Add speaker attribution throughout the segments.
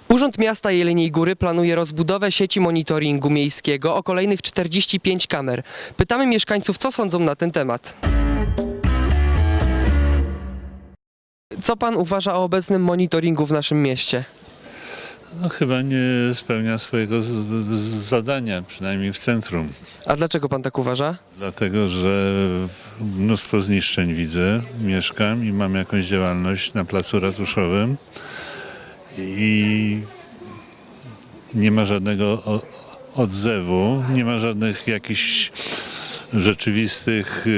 Speaker 1: Urząd Miasta Jeleniej Góry planuje rozbudowę sieci monitoringu miejskiego o kolejnych 45 kamer. Pytamy mieszkańców, co sądzą na ten temat. Co pan uważa o obecnym monitoringu w naszym mieście?
Speaker 2: No, chyba nie spełnia swojego zadania, przynajmniej w centrum.
Speaker 1: A dlaczego pan tak uważa?
Speaker 2: Dlatego, że mnóstwo zniszczeń widzę, mieszkam i mam jakąś działalność na placu ratuszowym i nie ma żadnego odzewu, nie ma żadnych jakichś rzeczywistych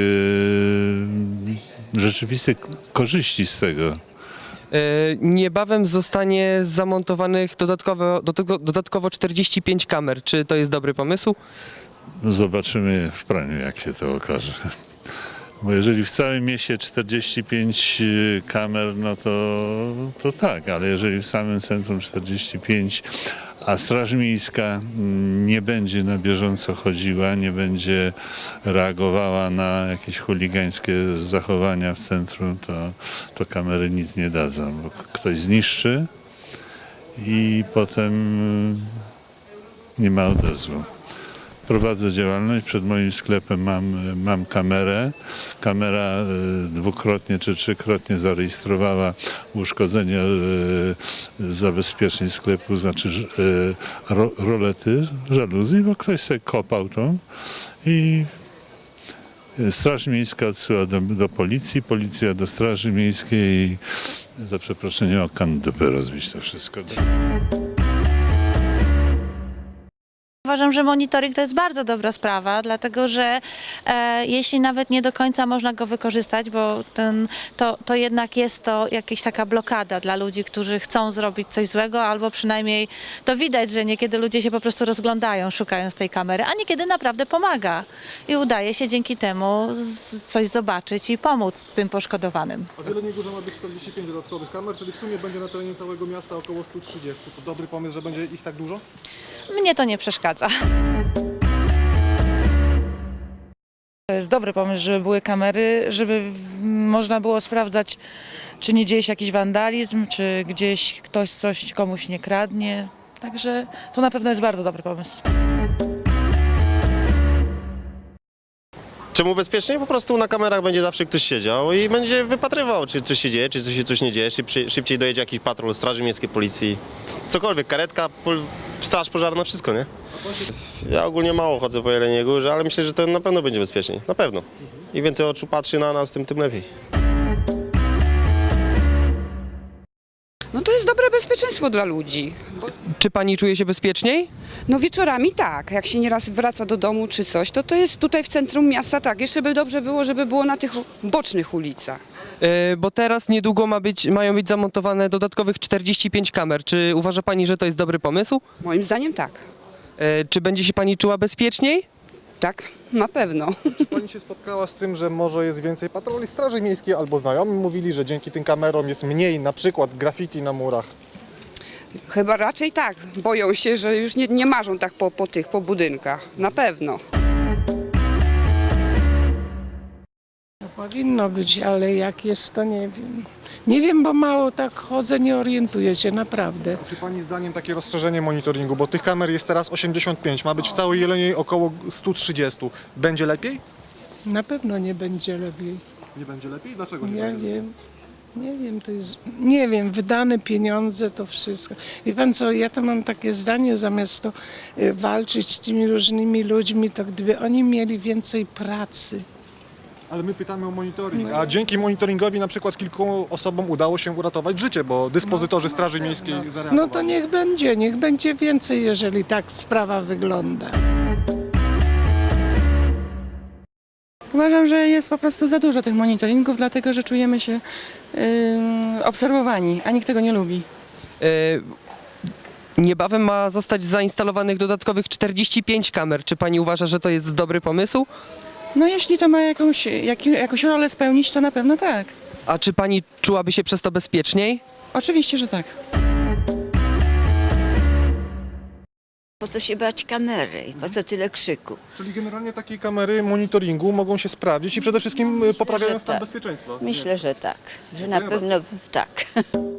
Speaker 2: korzyści z tego.
Speaker 1: Niebawem zostanie zamontowanych dodatkowo 45 kamer. Czy to jest dobry pomysł?
Speaker 2: Zobaczymy w praniu, jak się to okaże. Bo jeżeli w całym mieście 45 kamer, no to tak, ale jeżeli w samym centrum 45, a Straż Miejska nie będzie na bieżąco chodziła, nie będzie reagowała na jakieś chuligańskie zachowania w centrum, to kamery nic nie dadzą, bo ktoś zniszczy i potem nie ma odezwu. Prowadzę działalność, przed moim sklepem mam kamerę. Kamera dwukrotnie czy trzykrotnie zarejestrowała uszkodzenia zabezpieczeń sklepu, znaczy rolety, żaluzji, bo ktoś sobie kopał tą i Straż Miejska odsyła do policji, policja do Straży Miejskiej i za przeproszeniem o kandupę rozbić to wszystko.
Speaker 3: Uważam, że monitoring to jest bardzo dobra sprawa, dlatego że jeśli nawet nie do końca można go wykorzystać, bo to jednak jest to jakaś taka blokada dla ludzi, którzy chcą zrobić coś złego, albo przynajmniej to widać, że niekiedy ludzie się po prostu rozglądają, szukając tej kamery, a niekiedy naprawdę pomaga i udaje się dzięki temu coś zobaczyć i pomóc tym poszkodowanym.
Speaker 4: A w Jeleniej Górze ma być 45 dodatkowych kamer, czyli w sumie będzie na terenie całego miasta około 130. To dobry pomysł, że będzie ich tak dużo?
Speaker 3: Mnie to nie przeszkadza.
Speaker 5: To jest dobry pomysł, żeby były kamery, żeby można było sprawdzać, czy nie dzieje się jakiś wandalizm, czy gdzieś ktoś coś komuś nie kradnie. Także to na pewno jest bardzo dobry pomysł.
Speaker 6: Czemu bezpiecznie? Po prostu na kamerach będzie zawsze ktoś siedział i będzie wypatrywał, czy coś się dzieje, czy coś nie dzieje, szybciej dojedzie jakiś patrol Straży Miejskiej, Policji, cokolwiek, karetka, straż pożarna, wszystko, nie? Ja ogólnie mało chodzę po Jeleniej Górze, ale myślę, że to na pewno będzie bezpieczniej, na pewno. I więcej oczu patrzy na nas, tym lepiej.
Speaker 7: No to jest dobre bezpieczeństwo dla ludzi.
Speaker 1: Czy pani czuje się bezpieczniej?
Speaker 7: No wieczorami tak, jak się nieraz wraca do domu czy coś, to jest tutaj w centrum miasta tak. Jeszcze by dobrze było, żeby było na tych bocznych ulicach.
Speaker 1: Bo teraz niedługo mają być zamontowane dodatkowych 45 kamer. Czy uważa pani, że to jest dobry pomysł?
Speaker 7: Moim zdaniem tak.
Speaker 1: Czy będzie się pani czuła bezpieczniej?
Speaker 7: Tak, na pewno.
Speaker 4: Czy pani się spotkała z tym, że może jest więcej patroli Straży Miejskiej albo znajomi mówili, że dzięki tym kamerom jest mniej na przykład graffiti na murach?
Speaker 7: Chyba raczej tak. Boją się, że już nie marzą tak po budynkach. Na pewno.
Speaker 8: Powinno być, ale jak jest, to nie wiem. Nie wiem, bo mało tak chodzę, nie orientuję się, naprawdę.
Speaker 4: Czy pani zdaniem takie rozszerzenie monitoringu, bo tych kamer jest teraz 85, ma być w całej Jeleniej około 130. Będzie lepiej?
Speaker 8: Na pewno nie będzie lepiej.
Speaker 4: Nie będzie lepiej? Dlaczego nie
Speaker 8: Ja
Speaker 4: będzie lepiej?
Speaker 8: wiem. Nie wiem, to jest, nie wiem, wydane pieniądze, to wszystko. Wie pan co, ja to mam takie zdanie, zamiast to walczyć z tymi różnymi ludźmi, to gdyby oni mieli więcej pracy.
Speaker 4: Ale my pytamy o monitoring, a dzięki monitoringowi na przykład kilku osobom udało się uratować życie, bo dyspozytorzy Straży Miejskiej zareagowali.
Speaker 8: No to niech będzie więcej, jeżeli tak sprawa wygląda.
Speaker 5: Uważam, że jest po prostu za dużo tych monitoringów, dlatego że czujemy się obserwowani, a nikt tego nie lubi.
Speaker 1: Niebawem ma zostać zainstalowanych dodatkowych 45 kamer. Czy pani uważa, że to jest dobry pomysł?
Speaker 5: No jeśli to ma jakąś rolę spełnić, to na pewno tak.
Speaker 1: A czy pani czułaby się przez to bezpieczniej?
Speaker 5: Oczywiście, że tak.
Speaker 9: Po co się bać kamery i po co tyle krzyku?
Speaker 4: Czyli generalnie takie kamery monitoringu mogą się sprawdzić i przede wszystkim poprawiają stan
Speaker 9: tak.
Speaker 4: bezpieczeństwa.
Speaker 9: Myślę, że tak, że na pewno tak.